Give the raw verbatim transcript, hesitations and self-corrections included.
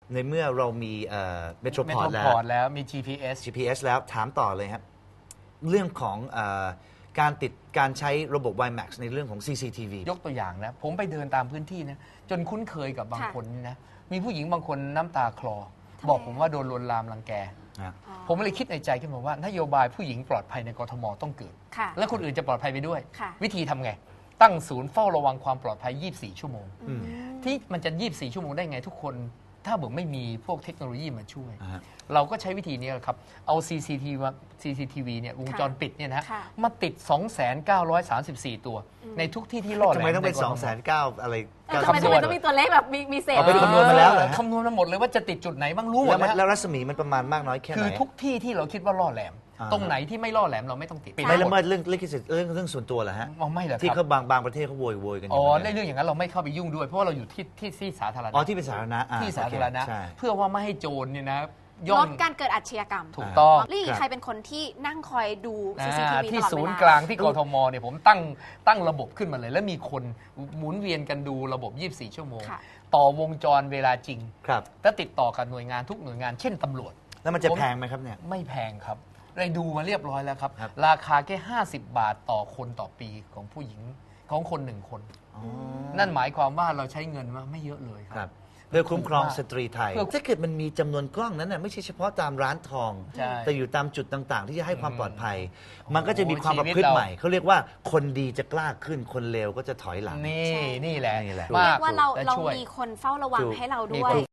ในเมื่อเรามีเมโทรเมพอโทร์ตรแล้วพอร์ตแล้วมี จี พี เอสจี พี เอส แล้วถามต่อเลยครับ เรื่องของเออการติดการใช้ระบบ ไว แม็กซ์ ในเรื่องของ ซี ซี ที วียกตัวอย่างนะ ผมไปเดินตามพื้นที่นะจนคุ้นเคยกับบางค่ะคนนี่นะ มีผู้หญิงบางคนน้ำตาคลอทำไมบอกผมว่าโดนลวนลามรังแกนะอ๋อผมเลยคิดในใจขึ้นมาว่านโยบายผู้หญิงปลอดภัยในกทมต้องเกิดค่ะและคนอื่นจะปลอดภัยไปด้วยค่ะวิธีทำไง ตั้งศูนย์เฝ้าระวังความปลอดภัย ยี่สิบสี่ ชั่วโมงอืมที่มันจะ ยี่สิบสี่ ชั่วโมงได้ไงทุกคน ถ้าบอกไม่มีพวกเทคโนโลยีมาช่วยอ่าฮะเราก็ใช้วิธีนี้แหละครับ เอา ซี ซี ที วี ซี ซี ที วี เนี่ยวงจรปิดเนี่ยนะฮะค่ะมาติด สองแสนเก้าร้อยสามสิบสี่ ตัว ในทุกที่ที่รอดทำไมต้องเป็นใกสทองแสนเก้าอะไรเออทำไมทำไมต้องมีตัวเลขแบบมีมีเศษเอาไปคำนวณมาแล้วเหรอฮะคำนวณมาหมดเลยว่าจะติดจุดไหนบ้างรู้หมแล้ดวมันนะแล้วฮะรัศมีมันประมาณมากน้อยแค่ไหนคือทุกที่ที่เราคิดว่าล่อแหลมอ่าตรงไหนที่ไม่ล่อแหลมเราไม่ต้องติดไม่ละเมิดเรื่องลิขสิทธิ์เรื่องเรื่องส่วนตัวเหรอฮะอ๋อไม่เหรอที่ครัเขาบบางบางประเทศเขาโวยโวยกันออ๋อยู่นะในเรื่องอย่างนั้นเราไม่เข้าไปยุ่งด้วย เพราะว่าเราอยู่ที่ที่ที่สาธารณะอ๋อที่เป็นสาธารณะอ่ที่สาธารณะโอเคใช่เพื่อว่าไม่ให้โจรเนี่ยนะย่ลอดงการเกิดอาชญากรรมถูกต้องลี่ครับใครเป็นคนที่นั่งคอยดู ซี ซี ทีอ่าวีที่ตลอดศูเวนย์ลากลางที่กทมเนี่ยผมตั้งตั้งระบบขึ้นมาเลย แล้วมีคนหมุนเวียนกันดูระบบ ยี่สิบสี่ ชั่วโมงค่ะต่อวงจรเวลาจริงครับและติดต่อกับหน่วยงานทุกหน่วยงานเช่นตำรวจแล้วมันจะผมแพงไหมครับเนี่ยไม่แพงครับได้ดูมาเรียบร้อยแล้วครับครับราคาแค่ ห้าสิบ บาทต่อคนต่อปีของผู้หญิงของคนหนึ่งคนอ๋อนั่นหมายความว่าเราใช้เงินมาไม่เยอะเลยคครัรับบ เพื่อคุ้มครองถูกมากสตรีไทยเพื่อถ้าเกิดมันมีจำนวนกล้องนั้นน่ะไม่ใช่เฉพาะตามร้านทองใช่แต่อยู่ตามจุดต่างๆ ที่จะให้ความอืมปลอดภัย มันก็จะมีความชีประวิตพฤติเราใหม่เขาเรียกว่าคนดีจะกล้าขึ้นคนเลวก็จะถอยหลังนี่ใช่นี่แหละนี่แหละมากว่าเราและเราช่วยมีคนเฝ้าระวังถูกให้เรามีด้วยคน